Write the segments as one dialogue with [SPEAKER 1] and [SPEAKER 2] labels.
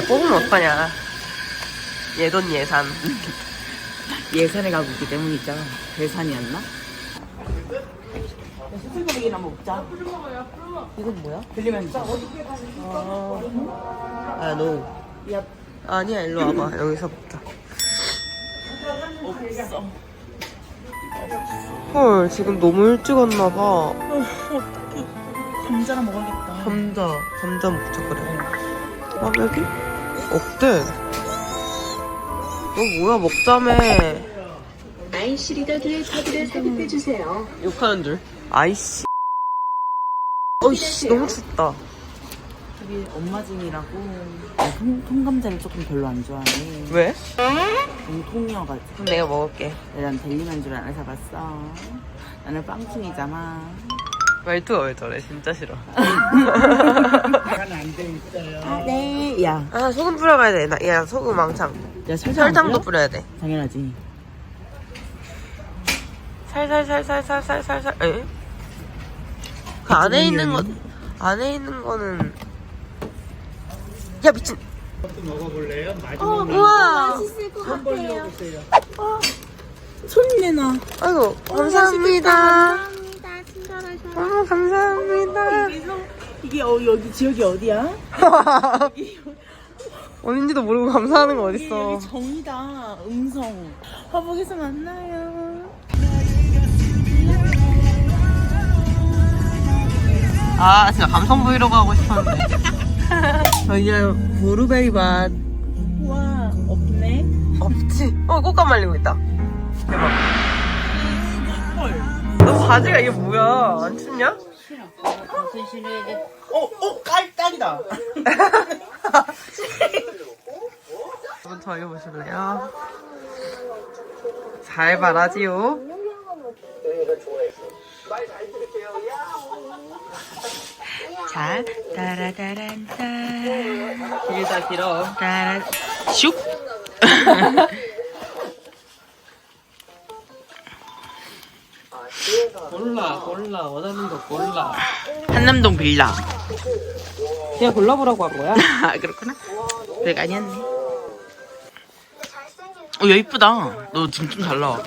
[SPEAKER 1] 뽑으면 어떡하냐. 예돈 예산.
[SPEAKER 2] 예산에 가고 있기 때문이죠. 예산이었나? 수술고기나 먹자.
[SPEAKER 1] 이건 뭐야?
[SPEAKER 2] 들리면 진짜.
[SPEAKER 1] 아, 너.
[SPEAKER 2] 야,
[SPEAKER 1] 아니야, 일로 와봐. 여기서 먹자.
[SPEAKER 2] 없어.
[SPEAKER 1] 헐, 지금 너무 일찍 왔나봐.
[SPEAKER 2] 감자나 먹어야겠다.
[SPEAKER 1] 감자 먹자, 그래. 꽈배기? 어때? 너 뭐야, 먹자며.
[SPEAKER 3] 아이씨 리더들의 카드를 삽입해주세요.
[SPEAKER 1] 욕하는 줄. 아이씨. 어이씨, 너무 춥다.
[SPEAKER 2] 저기 엄마짐이라고 통감자를 조금 별로 안 좋아해.
[SPEAKER 1] 왜?
[SPEAKER 2] 너무 통이어가지고.
[SPEAKER 1] 그럼 내가 먹을게.
[SPEAKER 2] 난 델리만주를 안 사봤어. 나는 빵충이잖아.
[SPEAKER 1] 말투가 왜 저래? 진짜 싫어.
[SPEAKER 2] 네. 야,
[SPEAKER 1] 아, 소금 뿌려가야 돼. 야, 소금 왕창.
[SPEAKER 2] 야
[SPEAKER 1] 설탕도 뿌려야 돼.
[SPEAKER 2] 당연하지.
[SPEAKER 1] 살살살살살살살살. 에? 그 안에 있는 거는. 야, 미친.
[SPEAKER 4] 먹어볼래요?
[SPEAKER 1] 우와.
[SPEAKER 3] 맛있을 것 같아요.
[SPEAKER 2] 손 내놔.
[SPEAKER 1] 아이고, 감사합니다.
[SPEAKER 3] 감사합니다. 친절하셔서.
[SPEAKER 1] 감사합니다.
[SPEAKER 2] 이게 여기 지역이 어디야?
[SPEAKER 1] 어딘지도 모르고 감사하는 거
[SPEAKER 2] 여기
[SPEAKER 1] 어딨어.
[SPEAKER 2] 정이다. 음성. 화복에서 만나요.
[SPEAKER 1] 아, 진짜 감성 브이로그 하고 싶었는데. 저희는 브루베리 맛.
[SPEAKER 2] 우와, 없네.
[SPEAKER 1] 없지? 꽃감 말리고 있다. 대박.
[SPEAKER 2] 헐.
[SPEAKER 1] 너 바지가 이게 뭐야? 안 춥냐?
[SPEAKER 2] 딱이다.
[SPEAKER 1] 한번 더 읽어보실래요? 잘 말하지요. 자, 따라따란따. 길다, 길어. 따라, 슉! 골라. 원하는 거 골라.
[SPEAKER 2] 한남동 빌라.
[SPEAKER 1] 그냥 골라보라고 한 거야?
[SPEAKER 2] 아, 그렇구나. 별거 아니었네. 야, 이쁘다. 너 지금 좀 잘 나와.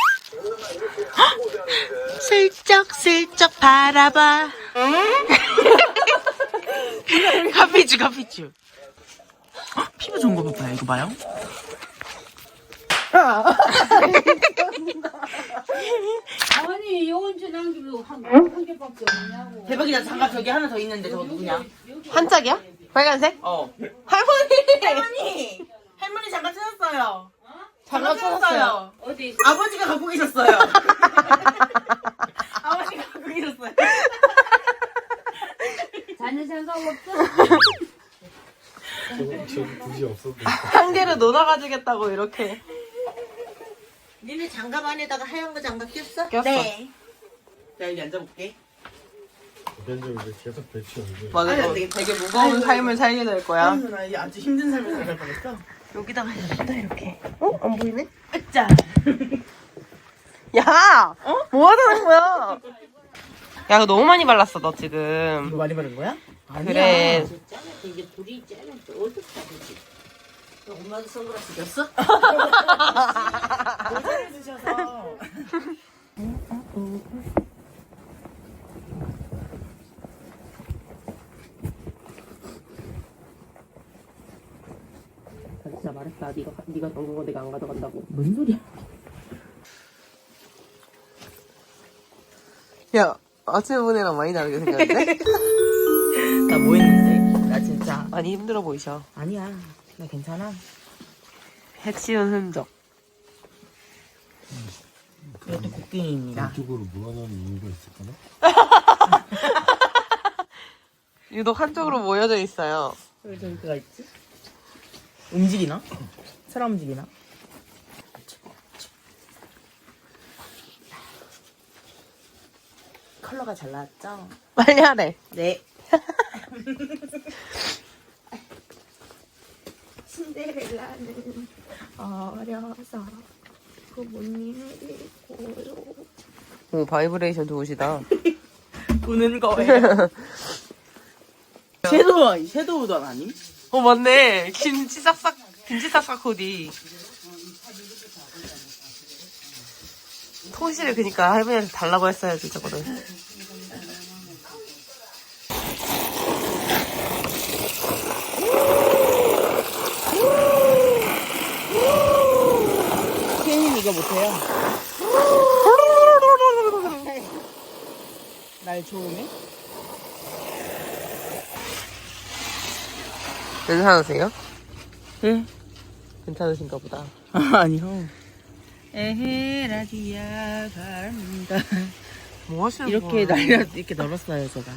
[SPEAKER 2] 슬쩍슬쩍 바라봐. 카피추. 피부 좋은 거 봐봐요. 이거 봐요.
[SPEAKER 3] 아니, 언제 남기고 한 개밖에 없냐고.
[SPEAKER 2] 대박이다. 장갑 저기 하나 더 있는데 저거 누구냐?
[SPEAKER 1] 한 짝이야? 빨간색?
[SPEAKER 2] 어.
[SPEAKER 1] 할머니!
[SPEAKER 2] 할머니 장갑 찾았어요.
[SPEAKER 1] 장갑 찾았어요.
[SPEAKER 3] 어디?
[SPEAKER 2] 아버지가 갖고 계셨어요. 아버지가 갖고 계셨어요.
[SPEAKER 3] 자네 생각 없어?
[SPEAKER 4] 저기 굳이 없어도
[SPEAKER 1] 한 개를 놓아가지겠다고 이렇게.
[SPEAKER 5] 니네 장갑 안에다가 하얀 거 장갑 꼈어?
[SPEAKER 1] 꼈어.
[SPEAKER 5] 네.
[SPEAKER 2] 자, 여기 앉아볼게.
[SPEAKER 4] 보편적으로 계속 배치하는데
[SPEAKER 1] 맞아,
[SPEAKER 2] 아니,
[SPEAKER 1] 너
[SPEAKER 2] 안 되겠다.
[SPEAKER 1] 되게 무거운 삶을 살게 될 거야.
[SPEAKER 2] 누나 이제 아주 힘든 삶을 살갈 뻔했어.
[SPEAKER 1] 여기다가 해야겠다, 이렇게. 어? 안 보이네?
[SPEAKER 2] 으짜.
[SPEAKER 1] 야! 뭐 하자는 거야? 야, 그거 너무 많이 발랐어, 너 지금.
[SPEAKER 2] 이거 많이 바른 거야?
[SPEAKER 1] 그래.
[SPEAKER 5] 이게 불이 있잖아. 또 어둡다, 그지? 엄마도 선글라스 꼈어?
[SPEAKER 2] 모자를 주셔서.
[SPEAKER 1] 진짜 말했다. 네가 정거 내가 안 가져간다고.
[SPEAKER 2] 뭔 소리야?
[SPEAKER 1] 야, 아침에 보내랑 많이 다르게 생겼는데?
[SPEAKER 2] 나 뭐 했는데? 나 진짜.
[SPEAKER 1] 많이 힘들어 보이셔.
[SPEAKER 2] 아니야. 나 괜찮아.
[SPEAKER 1] 해치운 흔적.
[SPEAKER 2] 그래도 곡괭이입니다.
[SPEAKER 4] 이쪽으로 모아놓은 이유가 있을까나?
[SPEAKER 1] 유독 한쪽으로 모여져 있어요.
[SPEAKER 2] 왜 저기가 있지? 움직이나? 사람 움직이나? 컬러가 잘 나왔죠?
[SPEAKER 1] 빨리 하래.
[SPEAKER 2] 네.
[SPEAKER 3] 신데렐라는 어려서 부모님을 잃고요.
[SPEAKER 1] 오, 바이브레이션 좋으시다.
[SPEAKER 2] 보는 거예요. 섀도우 우던 아님?
[SPEAKER 1] 맞네. 김치 싹싹 코디. 통실을 그니까 할머니한테 달라고 했어야지, 저거를.
[SPEAKER 2] 케이는 이거 못해요. 날 좋으네.
[SPEAKER 1] 괜찮으세요?
[SPEAKER 2] 응?
[SPEAKER 1] 괜찮으신가 보다.
[SPEAKER 2] 아니요. 에헤라디야 바랍니다.
[SPEAKER 1] 뭐 하시는
[SPEAKER 2] 이렇게
[SPEAKER 1] 거예요?
[SPEAKER 2] 이렇게 널었어요, 제가.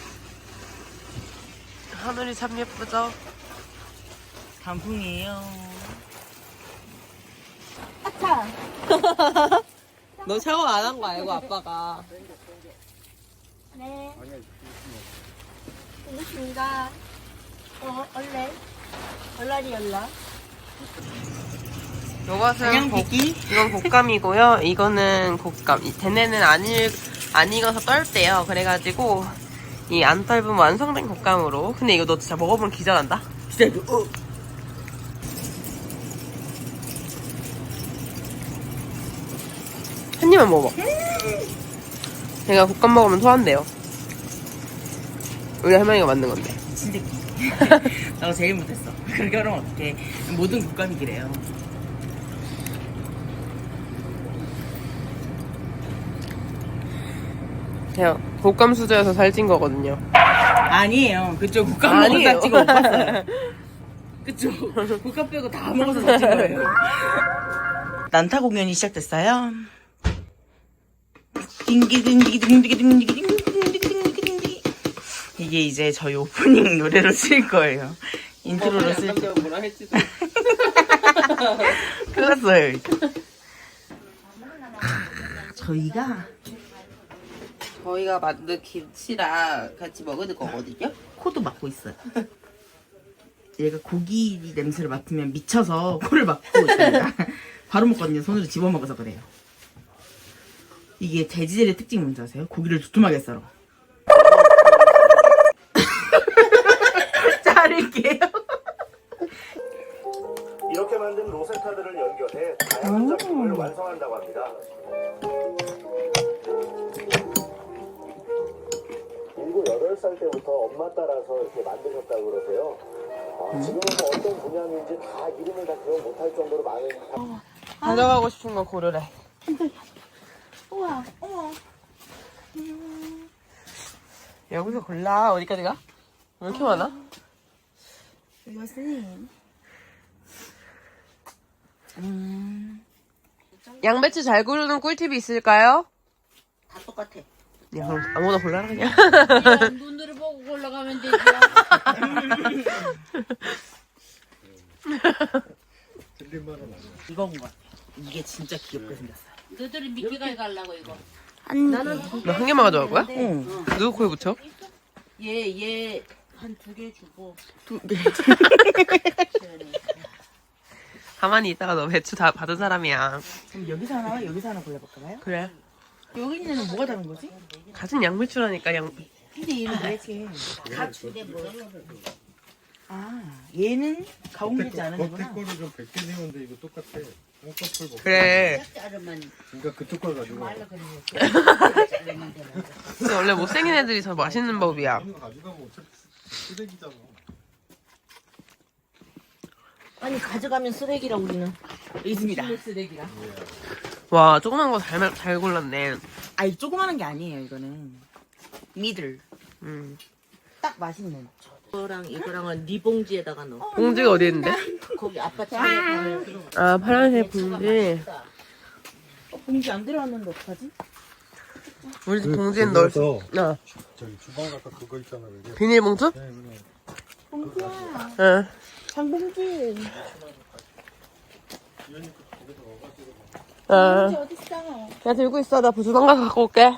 [SPEAKER 1] 하늘이 참 예쁘죠?
[SPEAKER 2] 단풍이에요.
[SPEAKER 1] 너 샤워 안 한 거 알고, 아빠가.
[SPEAKER 3] 네. 고맙습니다. 얼라리 연락.
[SPEAKER 1] 요것은 이건 곶감이고요. 이거는 곶감. 이 대뇌는 안 익어서 떫대요. 그래가지고 이 안 떫은 완성된 곶감으로. 근데 이거 너 진짜 먹어보면 기절한다.
[SPEAKER 2] 진짜 이거
[SPEAKER 1] 한 입만 먹어봐. 제가 곶감 먹으면 토한대요. 우리 할머니가 만든 건데.
[SPEAKER 2] 진짜 나 제일 못했어. 그렇게 하면 어떡해. 모든 국감이기래요.
[SPEAKER 1] 제가 곶감 수저여서 살찐 거거든요.
[SPEAKER 2] 아니에요. 그쪽 국감 먹어서
[SPEAKER 1] 아니에요.
[SPEAKER 2] 살찐 거 못 봤어요. 그쪽 국감 빼고 다 먹어서 살찐 거예요. 난타 공연이 시작됐어요. 딩기딩기딩기딩기딩기딩기딩기딩기. 이게 이제 저희 오프닝 노래로 쓸 거예요. 인트로로 쓸 거예요.
[SPEAKER 1] 뭐라 했지도.
[SPEAKER 2] 큰일 났어요. 저희가
[SPEAKER 1] 만든 김치랑 같이 먹을 거거든요.
[SPEAKER 2] 코도 막고 있어요. 얘가 고기 냄새를 맡으면 미쳐서 코를 막고 있습니다. 바로 먹거든요. 손으로 집어 먹어서 그래요. 이게 돼지젤의 특징이 뭔지 아세요? 고기를 두툼하게 썰어. 자를게요.
[SPEAKER 6] 이렇게 만든 로세타들을 연결해 다양한 작품을 완성한다고 합니다. 7, 8살 때부터 엄마 따라서 이렇게 만드셨다고 그러세요. 지금은 뭐 어떤 분야인지 다 이름을 다 기억 못할 정도로 많은
[SPEAKER 1] 가져가고 싶은 거 고르래.
[SPEAKER 3] 우와.
[SPEAKER 1] 여기서 골라. 어디까지 가? 왜 이렇게 많아?
[SPEAKER 3] 이것은
[SPEAKER 1] 양배추 잘 고르는 꿀팁이 있을까요?
[SPEAKER 5] 다 똑같아.
[SPEAKER 1] 야, 그럼 아무거나 골라라 그냥.
[SPEAKER 3] 그냥 눈으로 보고 올라가면 되죠.
[SPEAKER 4] 틀린말은 아니야.
[SPEAKER 2] 이건 것 같아. 이게 진짜 귀엽게 생겼어요.
[SPEAKER 3] 너들이 미끼가 가려고 이거.
[SPEAKER 5] 나는
[SPEAKER 1] 너 한 개만 가져갈 거야?
[SPEAKER 2] 응.
[SPEAKER 1] 누구 코에 붙여?
[SPEAKER 5] 얘 한 2개 주고.
[SPEAKER 1] 가만히 있다가 너 배추 다 받은 사람이야.
[SPEAKER 2] 그럼 여기서 하나와 여기서 하나 골라볼까 봐요?
[SPEAKER 1] 그래.
[SPEAKER 2] 여기 있는 애는 뭐가 다른 거지?
[SPEAKER 1] 같은 양배추라니까
[SPEAKER 2] 근데 얘는 왜 이렇게.
[SPEAKER 5] 가축에 뭐.
[SPEAKER 2] 아, 얘는 가공되지 않은
[SPEAKER 4] 겉에
[SPEAKER 2] 거구나.
[SPEAKER 4] 거를 좀 100개 세우는데 이거 똑같아. 한꺼풀 먹고.
[SPEAKER 1] 그래.
[SPEAKER 5] 자르면
[SPEAKER 4] 그러니까 그쪽 걸 가지고. 와.
[SPEAKER 5] 자르면 되는 거.
[SPEAKER 1] 근데 원래 못생긴 애들이 더 맛있는 법이야.
[SPEAKER 4] 이거 가져가면 어차피 쓰레기잖아.
[SPEAKER 5] 아니 가져가면 쓰레기라고 우리는.
[SPEAKER 2] 있습니다.
[SPEAKER 5] 쓰레기라.
[SPEAKER 1] 와, 조그만 거 잘 골랐네.
[SPEAKER 2] 아, 이 조그마한 게 아니에요, 이거는. 미들. 딱 맛있는.
[SPEAKER 5] 이거랑은 네 봉지에다가 넣어.
[SPEAKER 1] 봉지가 어디 있는데?
[SPEAKER 5] 거기 아빠 차에
[SPEAKER 1] 아, 파란색 봉지.
[SPEAKER 2] 봉지 안 들어왔는데 어떡하지?
[SPEAKER 1] 우리 집 봉지엔 넣을 수.
[SPEAKER 4] 거기서
[SPEAKER 1] 어.
[SPEAKER 4] 저기 주방 아까 그거 있잖아. 그게.
[SPEAKER 1] 비닐봉투?
[SPEAKER 4] 네, 그래.
[SPEAKER 1] 응.
[SPEAKER 2] 장봉지.
[SPEAKER 1] 어.
[SPEAKER 2] 어딨어?
[SPEAKER 1] 그냥 들고 있어. 나 주방 가서 갖고 올게.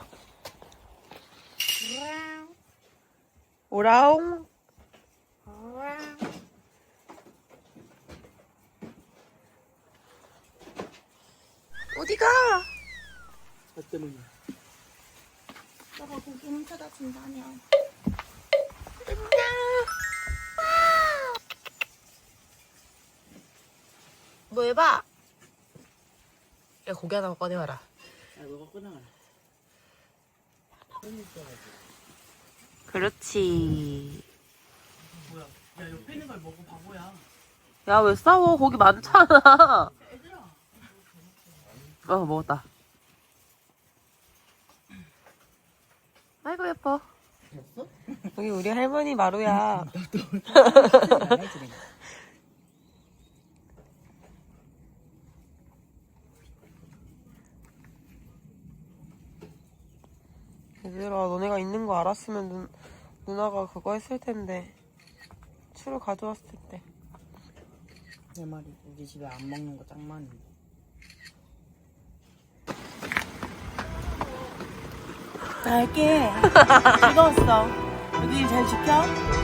[SPEAKER 1] 오라옹. 어디가?
[SPEAKER 2] 너 때문이야.
[SPEAKER 3] 너가 고기 훔쳐다 준다며.
[SPEAKER 1] 뭐 해봐. 야, 고기 하나 꺼내와라.
[SPEAKER 2] 아, 너가 끊어가라.
[SPEAKER 1] 그렇지.
[SPEAKER 2] 뭐야? 야, 옆에 있는 걸 먹어, 바보야.
[SPEAKER 1] 야, 왜 싸워? 고기 많잖아. 먹었다. 아이고, 예뻐. 여기 우리 할머니 마루야. 얘들아, 너네가 있는 거 알았으면 누나가 그거 했을 텐데. 추를 가져왔을 텐데.
[SPEAKER 2] 내 말이 우리 집에 안 먹는 거 짱 많은데. 갈게. 즐거웠어. 여기 잘 지켜.